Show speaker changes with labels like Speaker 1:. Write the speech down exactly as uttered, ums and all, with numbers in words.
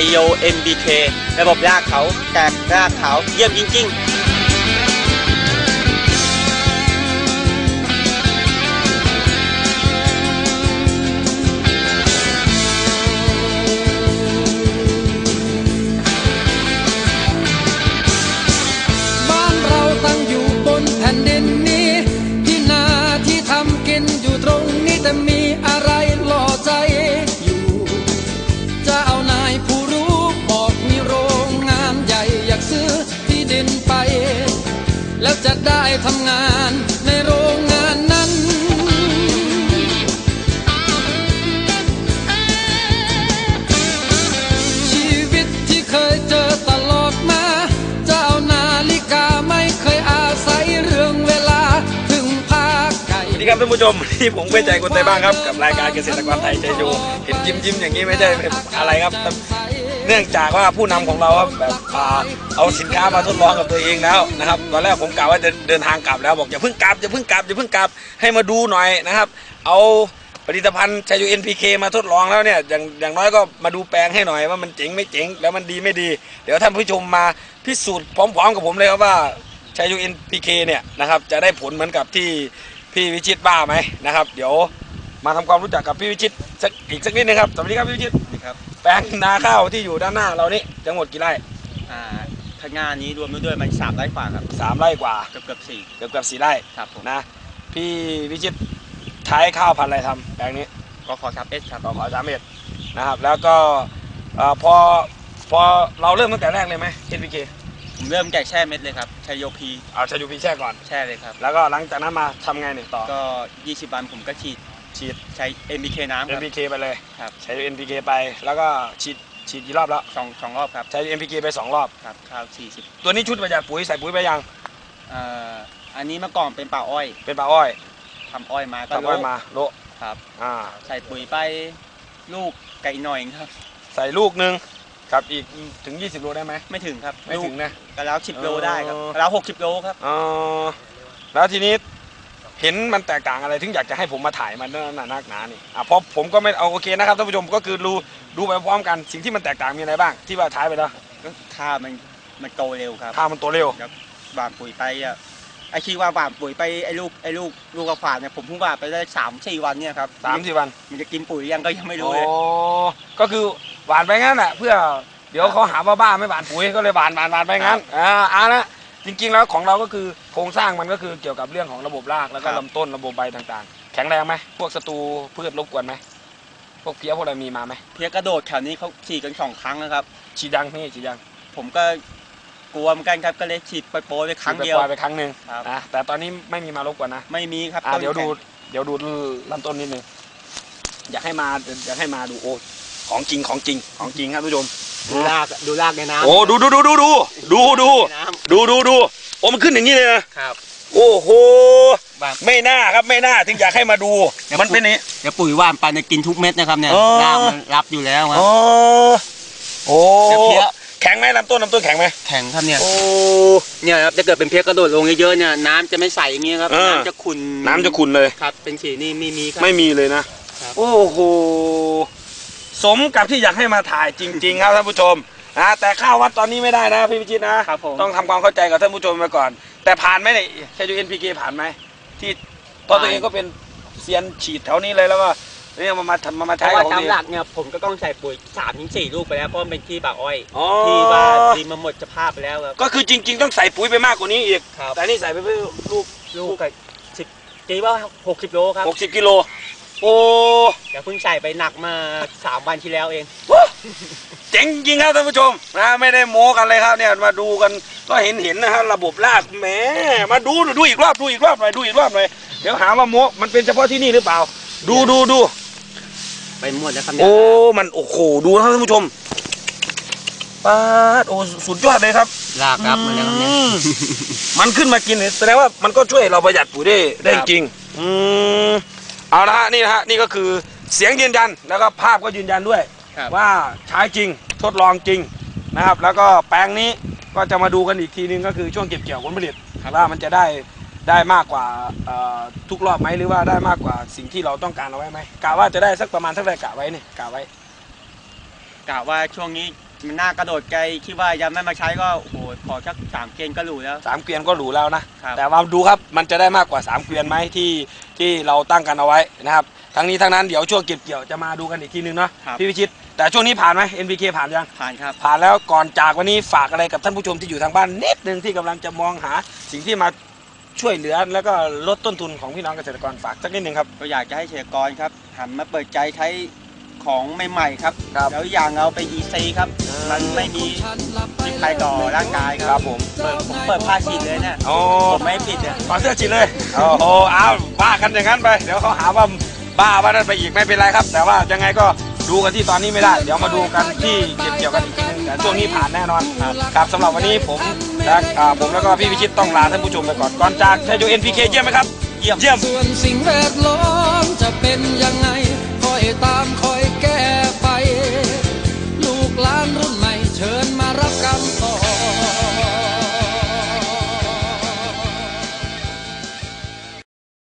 Speaker 1: โย เอ็น บี เค ระบบรากเขาแตกรากเขาเยี่ยมจริงๆ
Speaker 2: มีอะไรหล่อใจอยู่จะเอานายผู้รู้บอกมีโรงงานใหญ่อยากซื้อที่ดินไปแล้วจะได้ทำงานในโรงงานนั้นชีวิตที่เคยเจอตลอดมาเจ้านาฬิกาไม่เคยอาศัยเรื่องเวลาถึงภาคไก่
Speaker 3: สวัสดีครับท่านผู้ชมที่ผมเป็นใจคนไทยบ้างครับกับรายการเกษตรกรไทยใจอยู่เห็นยิ้มยิ้มอย่างนี้ไม่ใช่อะไรครับเนื่องจากว่าผู้นำของเราครับแบบเอาสินค้ามาทดลองกับตัวเองแล้วนะครับตอนแรกผมกะว่าจะเดินทางกลับแล้วบอกอย่าเพิ่งกลับอย่าเพิ่งกลับอย่าเพิ่งกลับให้มาดูหน่อยนะครับเอาผลิตภัณฑ์ชัยยู เอ็น พี เค มาทดลองแล้วเนี่ยอย่างอย่างน้อยก็มาดูแปลงให้หน่อยว่ามันเจ๋งไม่เจ๋งแล้วมันดีไม่ดีเดี๋ยวท่านผู้ชมมาพิสูจน์พร้อมๆกับผมเลยครับว่าชัยยู เอ็น พี เค เนี่ยนะครับจะได้ผลเหมือนกับที่พี่วิชิตบ้าไหมนะครับเดี๋ยวมาทำความรู้จักกับพี่วิชิตสักอีกสักนิดนึงครับสวัสดีครับพี่วิชิต
Speaker 1: ครับ
Speaker 3: แปลงนาข้าวที่อยู่ด้านหน้าเรานี่ทั้งหมดกี่ไร่
Speaker 1: อ่าข้างหน้านี้รวมด้วยมันสามไร่กว่าครับ
Speaker 3: สามไร่กว่า
Speaker 1: เกือบเกือบสี่
Speaker 3: เกือบเกือบสี่ไร่
Speaker 1: ครับผม
Speaker 3: นะพี่วิชิตใช้ข้าวพันธุ์อะไรทำแปลงนี้
Speaker 1: กขอสามเอสครับ
Speaker 3: กขอสามเอสนะครับแล้วก็พอพอเราเริ่มตั้งแต่แรกเลยไหม เอ็น พี เค
Speaker 1: ผมเริ่มแกะแช่เม็ดเลยครับชัยโยพี
Speaker 3: เอาชัยโยพีแช่ก่อน
Speaker 1: แช่เลยครับ
Speaker 3: แล้วก็หลังจากนั้นมาทำไงเนี่ยต่อ
Speaker 1: ก็ยี่สิบวันผมก็ฉีด
Speaker 3: ฉีด
Speaker 1: ใช้ เอ็น พี เค น้ำครับ
Speaker 3: เอ็น พี เค ไปเลย
Speaker 1: ครับ
Speaker 3: ใช้ เอ็น พี เค ไปแล้วก็ฉีดฉีดกี่รอบแล้ว
Speaker 1: สองสองรอบครับ
Speaker 3: ใช้ เอ็น พี เค ไปสองรอบ
Speaker 1: ครับข้าวสี่สิบ
Speaker 3: ตัวนี้ชุดประหยัดปุ๋ยใส่ปุ๋ยไปยัง
Speaker 1: อ่าอันนี้เมื่อก่อนเป็นป่าอ้อย
Speaker 3: เป็นป่าอ้อย
Speaker 1: ทำอ้อยมาก็
Speaker 3: ทำอ้อยมาโล
Speaker 1: ครับ
Speaker 3: อ่า
Speaker 1: ใส่ปุ๋ยไปลูกไก่หน่อยครับ
Speaker 3: ใส่ลูกนึงครับอีกถึงยี่สิบโลได้ไหม
Speaker 1: ไม่ถึงครับ
Speaker 3: ไม่ถึงนะ
Speaker 1: ก็แล้วสิบโลได้ครับแล้วหกสิบโลครับ
Speaker 3: อ๋อแล้วทีนี้เห็นมันแตกต่างอะไรถึงอยากจะให้ผมมาถ่ายมันหนาหนานี่อ่ะเพราะผมก็ไม่เอาโอเคนะครับท่านผู้ชมก็คือดูดูไปพร้อมกันสิ่งที่มันแตกต่างมีอะไรบ้างที่ว่าถ่ายไปแล้ว
Speaker 1: ก็ข้ามันมันโตเร็วครับ
Speaker 3: ข้ามันโตเร็ว
Speaker 1: ครับหว่านปุ๋ยไปอ่ะไอคิดว่าหว่านปุ๋ยไปไอลูกไอลูกลูกกระฝาดเนี่ยผมเพิ่งหว่านไปได้สามสี่วันเนี่ยครับ
Speaker 3: สามสี่วัน
Speaker 1: มันจะกินปุ๋ยยังก็ยังไม่รู้เลย
Speaker 3: อ๋อก็คือหว่านไปงั้นแหละเพื่อเดี๋ยวเขาหาว่าบ้าไม่หว่านปุ๋ยก็เลยหว่านหว่านหว่านไปงั้นอ่าอ่านะจริงๆแล้วของเราก็คือโครงสร้างมันก็คือเกี่ยวกับเรื่องของระบบรากแล้วก็ลำต้นระบบใบต่างๆแข็งแรงไหมพวกศัตรูพืชรบกวนไหมพวกเพี้ยพวกอะไรมีมาไหม
Speaker 1: เพี้ยกระโดดแถวนี้เขาฉีดกันสองครั้งนะครับ
Speaker 3: ฉีดยังนี่ฉีดยัง
Speaker 1: ผมก็กลัวเหมือนกันครับก็เลยฉีดไปโปรไปครั้งเดียว
Speaker 3: ไปครั้งหนึ่งนะแต่ตอนนี้ไม่มีมารบกวนนะ
Speaker 1: ไม่มีครับ
Speaker 3: เดี๋ยวดูเดี๋ยวดูลำต้นนิดนึงอยากให้มาอยากให้มาดูโอ้ของจริงของจริงของจริงครับผู้ชม
Speaker 1: ดูรากดูรากในน้ำ
Speaker 3: โอ้ดูดูดูดูดูดูดูดูดูดูโอ้มันขึ้นอย่างนี้เลย
Speaker 1: นะครับ
Speaker 3: โอ้โหไม่น่าครับไม่น่าถึงอยากให้มาดูมันเป็นนี้
Speaker 1: เดี๋ยวปุ๋ยว่านไปเนี่ยกินทุกเม็ดนะครับเนี่ยรากมันรับอยู่แล้วครับ
Speaker 3: โอ้แข็งไหมลำต้นลำต้นแข็งไหม
Speaker 1: แข็งครับเนี่ยโอ้เนี่ยครับจะเกิดเป็นเพี้ยกระโดดลงเยอะๆเนี่ยน้ำจะไม่ใสอย่างเงี้ยครับน้ำจะขุ่น
Speaker 3: น้ำจะขุ่นเลย
Speaker 1: ครับเป็นสีนี่ไม่มีครับ
Speaker 3: ไม่มีเลยนะโอ้โหสมกับที่อยากให้มาถ่ายจริงๆครับท่านผู้ชมนะแต่ข้าววัดตอนนี้ไม่ได้นะพี่พิชิตนะต้องทำความเข้าใจกับท่านผู้ชมไปก่อนแต่ผ่านไหมเนี่ยใช้ เอ็น พี เค ผ่านไหมที่ตัวตัวเองก็เป็นเซียนฉีดแถวนี้เลยแล้วก็เนี่ยมามาทำมามาใช้
Speaker 1: ของดีตามหลักเนี่ยผมก็ต้องใส่ปุ๋ยสามถึงสี่ลูกไปแล้วเพราะเป็นที่ป่าอ้อยที่ว่าดีมาหมดสภาพไปแล้วครับ
Speaker 3: ก็คือจริงๆต้องใส่ปุ๋ยไปมากกว่านี้อีกแต่นี่ใส่ไปเพื่อลูก
Speaker 1: ลูกกับสิบกี่ว่าหกสิบโลครับ
Speaker 3: หกสิบกิโลโอ้
Speaker 1: เดี๋ยวเพิ่งใส่ไปหนักมาสามวันที่แล้วเอง
Speaker 3: เจ๋งจริงครับท่านผู้ชมนะไม่ได้โม้กันเลยครับเนี่ยมาดูกันก็เห็นเห็นนะฮะระบบรากแหมมาดูดูอีกรอบดูอีกรอบหน่อยดูอีกรอบหน่อยเดี๋ยวหาว่าโม้มันเป็นเฉพาะที่นี่หรือเปล่าดูดูดู
Speaker 1: ไปหมดแล้วครับ
Speaker 3: โอ้มันโอ้โหดูนะท่านผู้ชมป้าโอ้สุดยอดเลยครับ
Speaker 1: รากครับมันแล้วเนี่ย
Speaker 3: มันขึ้นมากินแสดงว่ามันก็ช่วยเราประหยัดปุ๋ยได้ได้จริงอืมเอาละฮะนี่นะฮะนี่ก็คือเสียงยืนยันแล้วก็ภาพก็ยืนยันด้วยว่าใช้จริงทดลองจริงนะครับแล้วก็แปลงนี้ก็จะมาดูกันอีกทีนึงก็คือช่วงเก็บเกี่ยวผลผลิตว่ามันจะได้ได้มากกว่าทุกรอบไหมหรือว่าได้มากกว่าสิ่งที่เราต้องการเอาไว้ไหมกะว่าจะได้สักประมาณเท่าไหร่กะไว้เนี่ยกะไว้
Speaker 1: กะว่าช่วงนี้มันน่ากระโดดไกลคิดว่ายังไม่มาใช้ก็โอ้โหขอสักสามเกณฑ์ก็หรูแล้ว
Speaker 3: สามเกวียนก็หรูแล้วนะ
Speaker 1: ครับ
Speaker 3: แต่ว่าดูครับมันจะได้มากกว่าสามเกวียนไหมที่ที่เราตั้งกันเอาไว้นะครับทั้งนี้ทั้งนั้นเดี๋ยวช่วงเก็บเกี่ยวจะมาดูกันอีกทีนึงเนาะ
Speaker 1: ครับ
Speaker 3: พี่พิชิตแต่ช่วงนี้ผ่านไหม เอ็น พี เค ผ่านยัง
Speaker 1: ผ่านครับ
Speaker 3: ผ่านแล้วก่อนจากวันนี้ฝากอะไรกับท่านผู้ชมที่อยู่ทางบ้านนิดนึงที่กำลังจะมองหาสิ่งที่มาช่วยเหลือแล้วก็ลดต้นทุนของพี่น้องเกษตรกรฝากสักนิดนึงครับ
Speaker 1: ก็อยากจะให้เกษตรกรครับหันมาเปิดใจใช้ของใหม่ๆครับ
Speaker 3: ครับ
Speaker 1: แล้วอย่างเอาไป อี ซี ครับ มันไม่มีพิษภัยต่อร่างกายค
Speaker 3: ครั
Speaker 1: รั
Speaker 3: บบ ผม
Speaker 1: เปิดผมเปิดผ้าฉีดเลยเนี่ย
Speaker 3: โอ้
Speaker 1: ผมไม่ผิดเนี่ย
Speaker 3: ขอเสื้อฉีดเลยโอ้โหเอาบ้ากันอย่างนั้นไปเดี๋ยวเขาหาว่าบ้าว่านั่นไปอีกไม่เป็นไรครับ แต่ว่ายังไงก็ดูกันที่ตอนนี้ไม่ได้ เดี๋ยวมาดูกันที่เก็บเกี่ยวกันอีกทีนึงแต่ช่วงนี้ผ่านแน่นอนครับสำหรับวันนี้ผมและอ่าผมแล้วก็พี่พิชิตต้องลาท่านผู้ชมไปก่อนก่อนจากชัยโย เอ็น พี เค เยี่ยมไหมครับเยี่ยมเยี่ยม
Speaker 2: ส่วนสิ่งแวดล้อมจะเป็นยังไงคอยตามคอย